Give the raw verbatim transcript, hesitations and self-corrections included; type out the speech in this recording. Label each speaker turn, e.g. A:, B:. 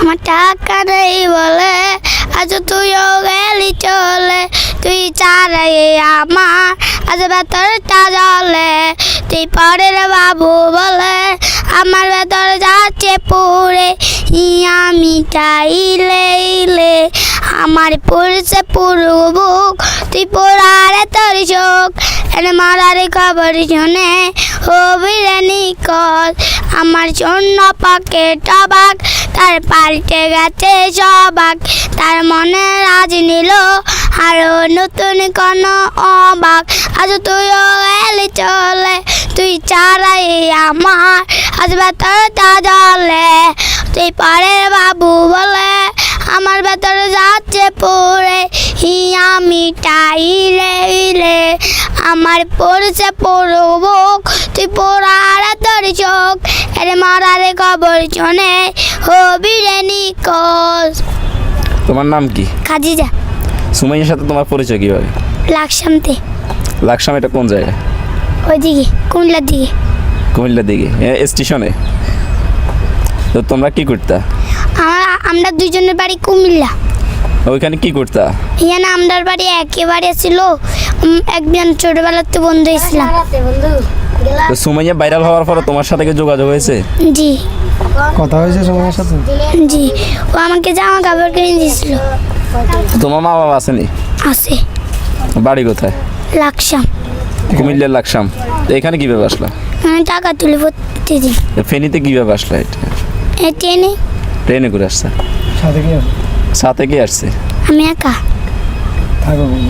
A: আমার টাকা নেই বলে আজ তুইও গেলি চলে, তুই ছাড়াই আমার আজ ভেতরটা জলে, তুই পরের বাবু বলে আমার ভেতর যাচ্ছে পুরে, আমি চাইলে ইলে আমার পুরুষে পুরু বুক, তুই পোড়ারে তোর চোখ এনে মারার খবর শুনে হবি রে নিকট, আমার জন্য পাকে টবাক তার পাল্টে গেছে সবাক, তার মনে রাজ নিল আরো নতুন কোন অবাক, আজ তুইও এলি চলে, তুই ছাড়াই আমার আজ ভেতরটা জলে, তুই পরের বাবু বলে আমার ভেতরে যাচ্ছে পড়ে, আমি টাইলে ইলে আমার পড়ছে পড়বুক, তুই পোড়ার তোর চোখ এর মারার খবর শুনে হবি রে নিকট।
B: তোমার নাম কি?
A: খাদিজা।
B: সুমাইয়ার সাথে তোমার পরিচয় কিভাবে?
A: লাকসামতে।
B: লাকসাম এটা কোন জায়গা?
A: ওইদিকে কুমিল্লার দিকে।
B: কুমিল্লার দিকে স্টেশনে? তো তোমরা কি করতা?
A: আমার আমরা দুইজনের বাড়ি কুমিল্লা।
B: ওইখানে কি করতা?
A: এখানে আমরার বাড়ি একেবারে ছিল, একজন ছোটবেলাতে বন্ধু হয়েছিলাম।
B: তো সুমাইয়া ভাইরাল হওয়ার পরে তোমার সাথে কি যোগাযোগ হয়েছে?
A: জি।
C: কথা হয়েছে সুমাইয়ার সাথে?
A: জি, ও আমাকে জামা কাপড় কিনে দিয়েছিল।
B: তোমার মা বাবা আসেনি?
A: আছে।
B: বাড়ি কোথায়?
A: লাকসাম।
B: কুমিল্লার লাকসাম। তো এখানে কিভাবে আসলা?
A: আমি টাকা তুলি প্রতিদিন।
B: ফেনীতে কিভাবে আসলা? এটা
A: এই ট্রেনে।
B: ট্রেনে করে আসছে?
C: সাথে কি
B: সাথে কি আসছে?
A: আমি একা
C: থাকো।